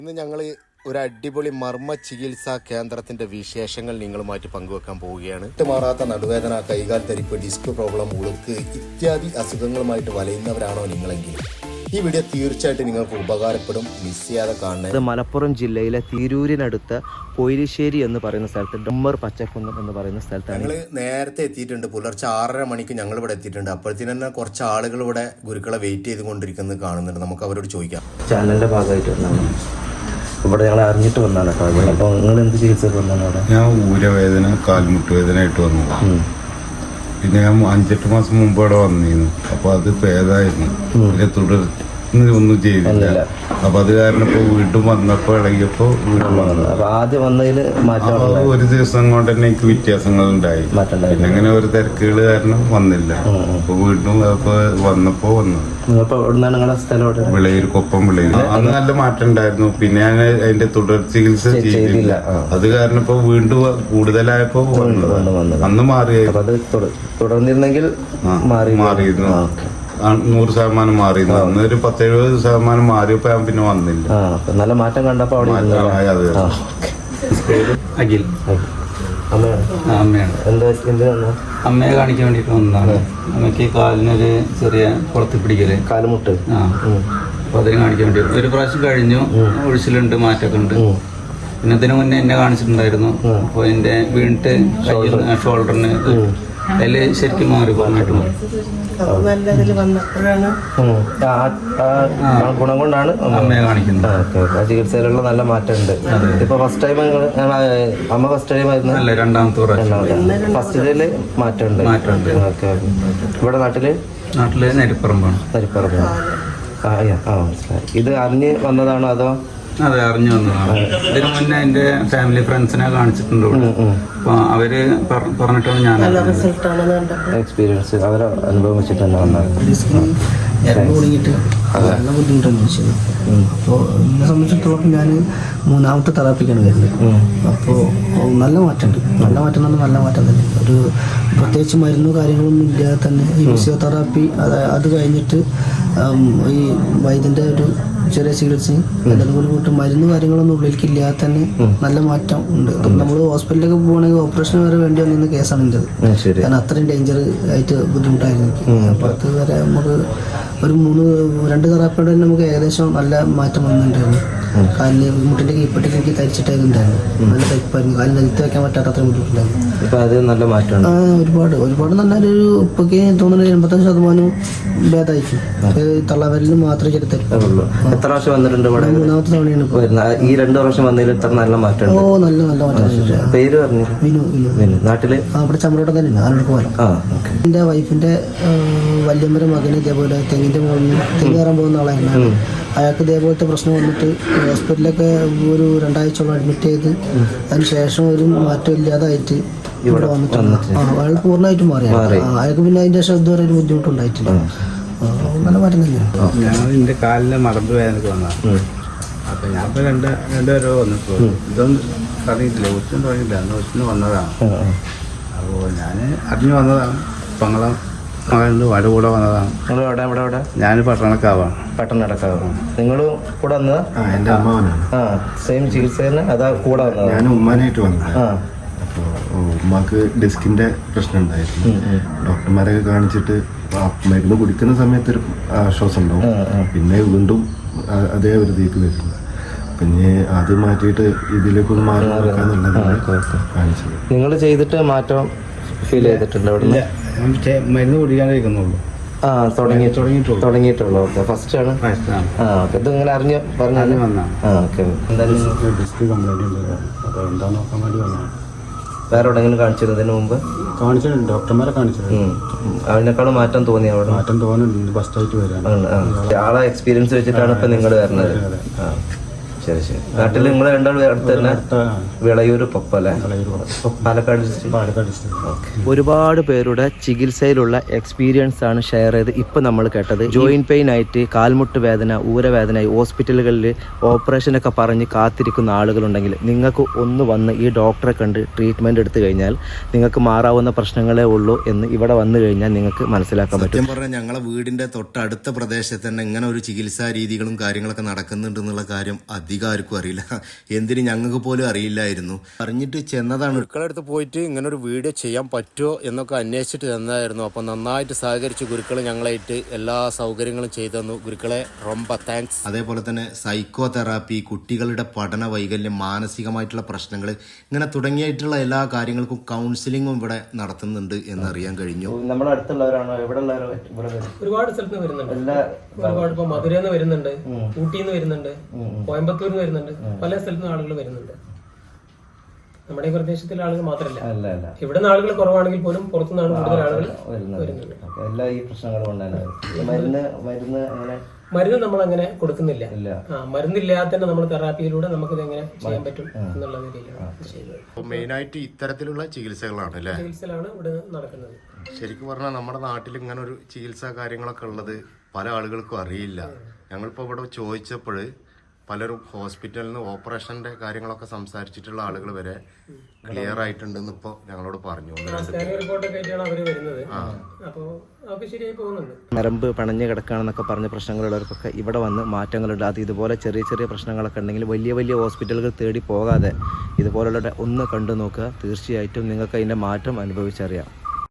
ഇന്ന് ഞങ്ങൾ ഒരു അടിപൊളി മർമ്മ ചികിത്സാ കേന്ദ്രത്തിന്റെ വിശേഷങ്ങൾ നിങ്ങളുമായിട്ട് പങ്കുവെക്കാൻ പോവുകയാണ്. മാറാത്ത നടുവേദന, കൈകാൽ തരിപ്പ്, ഡിസ്ക് പ്രോബ്ലം, ഉളുക്ക് ഇത്യാദി അസുഖങ്ങളുമായിട്ട് വലയുന്നവരാണോ നിങ്ങളെങ്കിൽ ഈ വീഡിയോ തീർച്ചയായിട്ടും നിങ്ങൾക്ക് ഉപകാരപ്പെടും. മിസ് ചെയ്യാതെ കാണുന്നത്. മലപ്പുറം ജില്ലയിലെ തിരൂരിനടുത്ത് പൊയിലിശ്ശേരി എന്ന് പറയുന്ന സ്ഥലത്ത് ഡമ്മർ പച്ചക്കുന്നം എന്ന് പറയുന്ന സ്ഥലത്താണ് ഞങ്ങൾ നേരത്തെ എത്തിയിട്ടുണ്ട്. പുലർച്ചെ 6:30 മണിക്ക് ഞങ്ങൾ ഇവിടെ എത്തിയിട്ടുണ്ട്. അപ്പോഴത്തേന് തന്നെ കുറച്ച് ആളുകൾ ഇവിടെ ഗുരുക്കളെ വെയിറ്റ് ചെയ്തുകൊണ്ടിരിക്കുന്നത് കാണുന്നുണ്ട്. നമുക്ക് അവരോട് ചോദിക്കാം. ചാനലിന്റെ ഭാഗമായിട്ട് വന്നാണ് ഇവിടെ ഞങ്ങൾ അറിഞ്ഞിട്ട് വന്നാണ് കേട്ടോ. അപ്പോൾ നിങ്ങൾ എന്ത് ചികിത്സ വന്നാണ് അവിടെ? ഞാൻ ഊരവേദന, കാൽമുട്ട് വേദന ആയിട്ട് വന്നു. പിന്നെ ഞാൻ 5-8 മാസം മുമ്പ് അവിടെ വന്നിരുന്നു. അപ്പൊ അത് ഭേദമായിരുന്നു. പിന്നെ തുടർന്ന് ഒന്നും ചെയ്തില്ല. അപ്പൊ അത് കാരണം ഇപ്പൊ വീണ്ടും വന്നപ്പോ ഇളകിയപ്പോ വീണ്ടും വന്നു. ആദ്യം വന്നതില് ഒരു ദിവസം കൊണ്ട് തന്നെ എനിക്ക് വ്യത്യാസങ്ങൾ ഉണ്ടായി. പിന്നെ അങ്ങനെ ഒരു തിരക്കുകൾ കാരണം വന്നില്ല. അപ്പൊ വീണ്ടും വന്നപ്പോ വന്നു. വിളയൂർ, കൊപ്പം വിളയൂർ. അന്ന് നല്ല മാറ്റം ഉണ്ടായിരുന്നു. പിന്നെ ഞാൻ അതിന്റെ തുടർ ചികിത്സ ചെയ്തില്ല. അത് കാരണം ഇപ്പൊ വീണ്ടും കൂടുതലായപ്പോ വന്നത്. അന്ന് മാറിയായിരുന്നു. തുടർന്നിരുന്നെങ്കിൽ മാറിയിരുന്നു. 100% മാറിയിരുന്നു. അന്ന് ഒരു 10-70% മാറിയപ്പോ ഞാൻ പിന്നെ വന്നില്ല. നല്ല മാറ്റം കണ്ടപ്പോ അവിടെ അഖിൽ അമ്മയാണ്. അമ്മയെ കാണിക്കാൻ വേണ്ടിട്ട് വന്നതാണ്. അമ്മയ്ക്ക് കാലിനൊരു ചെറിയ കുളത്തി പിടിക്കല്, കാലുമുട്ട്. അപ്പൊ അതിന് കാണിക്കാൻ വേണ്ടി ഒരു പ്രാവശ്യം കഴിഞ്ഞു. ഒഴിച്ചിലുണ്ട്, മാറ്റമൊക്കെ ഉണ്ട്. പിന്നെ ഇതിനു മുന്നേ എന്നെ കാണിച്ചിട്ടുണ്ടായിരുന്നു. അപ്പൊ എന്റെ വീണിട്ട് കയ്യിൽ ഷോൾഡറിന് അതില് ശരിക്കും മാറി പറഞ്ഞിട്ട് ഗുണം കൊണ്ടാണ് അമ്മയെ കാണിക്കുന്നത്. ചികിത്സയിലുള്ള നല്ല മാറ്റമുണ്ട്. ഇപ്പൊ ഫസ്റ്റ് ടൈം അമ്മ ഫസ്റ്റ് ടൈം ആയിരുന്നു? അല്ല, രണ്ടാമത്തെ പ്രാവശ്യം. ഫസ്റ്റില് മാറ്റമുണ്ട്. ഇവിടെ നാട്ടില് നരിപ്പറമ്പാണ്. മനസ്സിലായി. ഇത് അറിഞ്ഞ് വന്നതാണോ അതോ? അതെ, അറിഞ്ഞു വന്നതാണ്. ഇതിനു മുന്നേ എന്റെ ഫാമിലി ഫ്രണ്ട്സിനെ കാണിച്ചിട്ടുണ്ട്. അപ്പൊ അവര് പറഞ്ഞിട്ടാണ് ഞാൻ എക്സ്പീരിയൻസ് അവരെ അനുഭവം വെച്ചിട്ട് തന്നെ വന്നത്. തുടങ്ങിയിട്ട് നല്ല ബുദ്ധിമുട്ടാണ് വെച്ചത്. അപ്പോൾ എന്നെ സംബന്ധിച്ചിടത്തോളം ഞാൻ 3ാമത്തെ തെറാപ്പിക്കാണ് വരുന്നത്. അപ്പോൾ നല്ല മാറ്റമുണ്ട്. നല്ല മാറ്റം തന്നെ. ഒരു പ്രത്യേകിച്ച് മരുന്നോ കാര്യങ്ങളൊന്നും ഇല്ലാതെ തന്നെ ഈ ഫിസിയോതെറാപ്പി അത് കഴിഞ്ഞിട്ട് ഈ വൈദ്യൻ്റെ ഒരു ചെറിയ ചികിത്സയും എല്ലാതും കൂടി കൂട്ട് മരുന്ന് കാര്യങ്ങളൊന്നും ഉള്ളിലേക്ക് ഇല്ലാതെ തന്നെ നല്ല മാറ്റം ഉണ്ട്. നമ്മൾ ഹോസ്പിറ്റലിലേക്ക് പോകണമെങ്കിൽ ഓപ്പറേഷൻ വരെ വേണ്ടി വന്നിരുന്ന കേസാണ് എൻ്റെത്. കാരണം അത്രയും ഡേഞ്ചർ ആയിട്ട് ബുദ്ധിമുട്ടായിരുന്നു എനിക്ക്. അപ്പോൾ അത് വരെ നമുക്ക് ഒരു 2 തെറാപ്പിയോടെ തന്നെ നമുക്ക് ഏകദേശം നല്ല മാറ്റം വന്നിട്ടുണ്ടായിരുന്നു. കാലിന് മുട്ടിൻ്റെ കീപ്പട്ടിക്ക് എനിക്ക് തരിച്ചിട്ടായിട്ടുണ്ടായിരുന്നു. നല്ല തരിപ്പായിരുന്നു. കാലിന് നിലത്ത് വെക്കാൻ പറ്റാത്ത അത്രയും ബുദ്ധിമുട്ടുണ്ടായിരുന്നു. അത് നല്ല മാറ്റമാണ്. ഒരുപാട് നല്ലൊരു ഇപ്പൊക്കെ തോന്നുന്നത് 85% ഭേദമായിരിക്കും. തള്ളവരലിന് മാത്രമേ ചെറിയ തരിപ്പുള്ളൂ. എത്ര പ്രാവശ്യം വന്നിട്ടുണ്ട് ഇവിടെ? 3ാമത്തെ തവണയാണ് ഇപ്പോൾ. ഈ 2 പ്രാവശ്യം വന്നതിൽ ഇത്ര നല്ല മാറ്റം? നല്ല മാറ്റം. പേര് പറഞ്ഞു? വിനു. നാട്ടില് അവിടെ ചമ്മടോട്ടം തന്നെ ആരോടൊക്കെ പോകാം. എൻ്റെ വൈഫിന്റെ വല്യമ്മയുടെ മകന് ഇതേപോലെ തെങ്ങിന്റെ മുകളിൽ തെങ്ങ് കയറാൻ പോകുന്ന ആളായിരുന്നു. അയാൾക്ക് ഇതേപോലത്തെ പ്രശ്നം വന്നിട്ട് ഹോസ്പിറ്റലിലൊക്കെ ഒരു 2 ആഴ്ചയോളം അഡ്മിറ്റ് ചെയ്ത് അതിന് ശേഷം ഒരു മാറ്റം ഇല്ലാതായിട്ട് ഇവിടെ വന്നിട്ടുണ്ട്. അയാൾ പൂർണ്ണമായിട്ടും മാറി. അയാൾക്ക് പിന്നെ അതിന്റെ ശേഷം ഇതുവരെ ഒരു ബുദ്ധിമുട്ടുണ്ടായിട്ടില്ല. നല്ല മാറ്റം തന്നെയാണ്. ഞാൻ എൻ്റെ കാലിന് മടമ്പ് വേദനക്ക് വന്നതാണ്. അപ്പൊ ഞാൻ ഇപ്പൊ രണ്ടുപേരോ വന്നിട്ടു. ഇതൊന്നും പറഞ്ഞിട്ടില്ല, ഒച്ചിനും തുടങ്ങിയില്ല. അന്ന് ഒച്ചിന് വന്നതാണ്. അപ്പോൾ ഞാൻ അറിഞ്ഞു വന്നതാണ്. പങ്ങളം മകൻ്റെ വട കൂടെ വന്നതാണ്. ഞാൻ പട്ടണക്കാവാണ്. നിങ്ങൾ കൂടെ വന്നതാ? എന്റെ അമ്മാവനാണ്. സെയിം ചികിത്സ തന്നെ അതാ കൂടെ വന്നത്? ഞാൻ ഉമ്മാനായിട്ട് വന്നത്. അപ്പോൾ ഉമ്മാക്ക് ഡിസ്കിന്റെ പ്രശ്നം ഉണ്ടായിരുന്നു. ഡോക്ടർമാരൊക്കെ കാണിച്ചിട്ട് മരുന്ന് കുടിക്കുന്ന സമയത്ത് ഒരു ആശ്വാസം ഉണ്ടാവും. പിന്നെ വീണ്ടും അതേ ഒരു തീക്ക് വരുന്നത്. പിന്നെ അത് മാറ്റിയിട്ട് ഇതിലേക്കൊന്ന് മാറി നോക്കാന്നുള്ളതാണ് കാണിച്ചത്. നിങ്ങൾ ചെയ്തിട്ട് മാറ്റം ഫീൽ ചെയ്തിട്ടുണ്ട്? മരുന്ന് കുടിക്കാണ്ടിരിക്കുന്നുള്ളൂ. തുടങ്ങിയിട്ടുള്ളൂ. ഓക്കെ, ഫസ്റ്റ് ആണ്. ഇത് ഇങ്ങനെ അറിഞ്ഞു പറഞ്ഞു വന്നാണ്. ഡിസ്ക് കംപ്ലൈന്റ് ഉണ്ട്. അപ്പോൾ എന്താ നോക്കാൻ വേണ്ടി വന്നതാണ്. വേറെ എവിടെയെങ്കിലും കാണിച്ചിരുന്നതിന് മുമ്പ്? കാണിച്ചിട്ടുണ്ട്, ഡോക്ടർമാരെ കാണിച്ചിട്ടുണ്ട്. അതിനേക്കാളും മാറ്റം തോന്നി? അവിടെ മാറ്റം തോന്നുന്നുണ്ട്. ഫസ്റ്റ് ആയിട്ട് വരാൻ ആളെ എക്സ്പീരിയൻസ് വെച്ചിട്ടാണ് ഇപ്പൊ നിങ്ങൾ വരുന്നത്. ശരി. നാട്ടിൽ നിങ്ങൾ രണ്ടാളും അടുത്ത് തന്നെ? വിളയൂർ, കൊപ്പം അല്ലേ? പാലക്കാട് ഡിസ്ട്രിക്ട്. ഒരുപാട് പേരുടെ ചികിത്സയിലുള്ള എക്സ്പീരിയൻസ് ആണ് ഷെയർ ചെയ്ത് ഇപ്പം നമ്മൾ കേട്ടത്. ജോയിന്റ് പെയിൻ ആയിട്ട്, കാൽമുട്ട് വേദന, ഊരവേദന, ഹോസ്പിറ്റലുകളിൽ ഓപ്പറേഷനൊക്കെ പറഞ്ഞ് കാത്തിരിക്കുന്ന ആളുകളുണ്ടെങ്കിൽ നിങ്ങൾക്ക് ഒന്ന് വന്ന് ഈ ഡോക്ടറെ കണ്ട് ട്രീറ്റ്മെൻറ്റ് എടുത്തു കഴിഞ്ഞാൽ നിങ്ങൾക്ക് മാറാവുന്ന പ്രശ്നങ്ങളേ ഉള്ളൂ എന്ന് ഇവിടെ വന്നു കഴിഞ്ഞാൽ നിങ്ങൾക്ക് മനസ്സിലാക്കാൻ പറ്റും. സത്യം പറഞ്ഞാൽ ഞങ്ങളെ വീടിൻ്റെ തൊട്ടടുത്ത പ്രദേശത്ത് തന്നെ ഇങ്ങനെ ഒരു ചികിത്സാ രീതികളും കാര്യങ്ങളൊക്കെ നടക്കുന്നുണ്ടെന്നുള്ള കാര്യം അധികം ആർക്കും അറിയില്ല. എന്തിന് ഞങ്ങൾക്ക് പോലും അറിയില്ലായിരുന്നു. അറിഞ്ഞിട്ട് ചെന്നതാണ്. ഗുരുക്കളുടെ അടുത്ത് പോയിട്ട് ഇങ്ങനെ ഒരു വീഡിയോ ചെയ്യാൻ പറ്റുമോ എന്നൊക്കെ അന്വേഷിച്ചിട്ട് ചെന്നതായിരുന്നു. അപ്പോൾ നന്നായിട്ട് സഹകരിച്ച് ഗുരുക്കൾ ഞങ്ങളായിട്ട് എല്ലാ സൗകര്യങ്ങളും ചെയ്തു തന്നു. ഗുരുക്കളെ റൊമ്പ താങ്ക്സ്. അതേപോലെ തന്നെ സൈക്കോ തെറാപ്പി, കുട്ടികളുടെ പഠന വൈകല്യം, മാനസികമായിട്ടുള്ള പ്രശ്നങ്ങൾ, ഇങ്ങനെ തുടങ്ങിയിട്ടുള്ള എല്ലാ കാര്യങ്ങൾക്കും കൗൺസിലിങ്ങും ഇവിടെ നടത്തുന്നുണ്ട് എന്നറിയാൻ കഴിഞ്ഞു. നമ്മുടെ അടുത്തുള്ളവരാണോ? എവിടെ ഉള്ളവരോ? ഒരുപാട് സ്ഥലത്ത് നിന്ന് വരുന്നുണ്ട്. ഒരുപാട് ഇപ്പൊ മധുരയിൽ നിന്ന് വരുന്നുണ്ട്, ഊട്ടിയിൽ നിന്ന് വരുന്നുണ്ട്, കോയമ്പത്തൂരിൽ നിന്ന് വരുന്നുണ്ട്, പല സ്ഥലത്തു നിന്ന് ആളുകൾ വരുന്നുണ്ട്. നമ്മുടെ ഈ പ്രദേശത്തിലെ ആളുകൾ മാത്രമല്ല, ഇവിടെ നിന്ന് ആളുകൾ കുറവാണെങ്കിൽ പോലും പുറത്തുനിന്നാണ് കൂടുതൽ ആളുകൾ വരുന്നുണ്ട്. എല്ലാ ഈ പ്രശ്നങ്ങൾ കൊണ്ടാണ്. മരുന്ന് നമ്മൾ അങ്ങനെ കൊടുക്കുന്നില്ല. മരുന്നില്ലാതെ തന്നെ നമ്മൾ തെറാപ്പിയിലൂടെ നമുക്കിത് എങ്ങനെ ചെയ്യാൻ പറ്റും എന്നുള്ള നിലയിലാണ് ചെയ്യുന്നത്. മെയിനായിട്ട് ഇത്തരത്തിലുള്ള ചികിത്സകളാണ് അല്ലേ? ചികിത്സയിലാണ് ഇവിടെ നടക്കുന്നത്. ശരിക്കും പറഞ്ഞാൽ നമ്മുടെ നാട്ടിൽ ഇങ്ങനെ ഒരു ചികിത്സാ കാര്യങ്ങളൊക്കെ ഉള്ളത് പല ആളുകൾക്കും അറിയില്ല. ഞങ്ങളിപ്പോൾ ഇവിടെ ചോദിച്ചപ്പോൾ പലരും ഹോസ്പിറ്റലിൽ നിന്ന് ഓപ്പറേഷന്റെ കാര്യങ്ങളൊക്കെ സംസാരിച്ചിട്ടുള്ള ആളുകൾ വരെ ക്ലിയർ ആയിട്ടുണ്ടെന്ന് ഇപ്പോൾ ഞങ്ങളോട് പറഞ്ഞു. നരമ്പ് പണഞ്ഞു കിടക്കുകയാണെന്നൊക്കെ പറഞ്ഞ പ്രശ്നങ്ങളുള്ളവർക്കൊക്കെ ഇവിടെ വന്ന് മാറ്റങ്ങളുണ്ട്. അത് ഇതുപോലെ ചെറിയ ചെറിയ പ്രശ്നങ്ങളൊക്കെ ഉണ്ടെങ്കിൽ വലിയ വലിയ ഹോസ്പിറ്റലുകൾ തേടി പോകാതെ ഇതുപോലുള്ള ഒന്ന് കണ്ടു നോക്കുക. തീർച്ചയായിട്ടും നിങ്ങൾക്ക് അതിൻ്റെ മാറ്റം അനുഭവിച്ചറിയാം.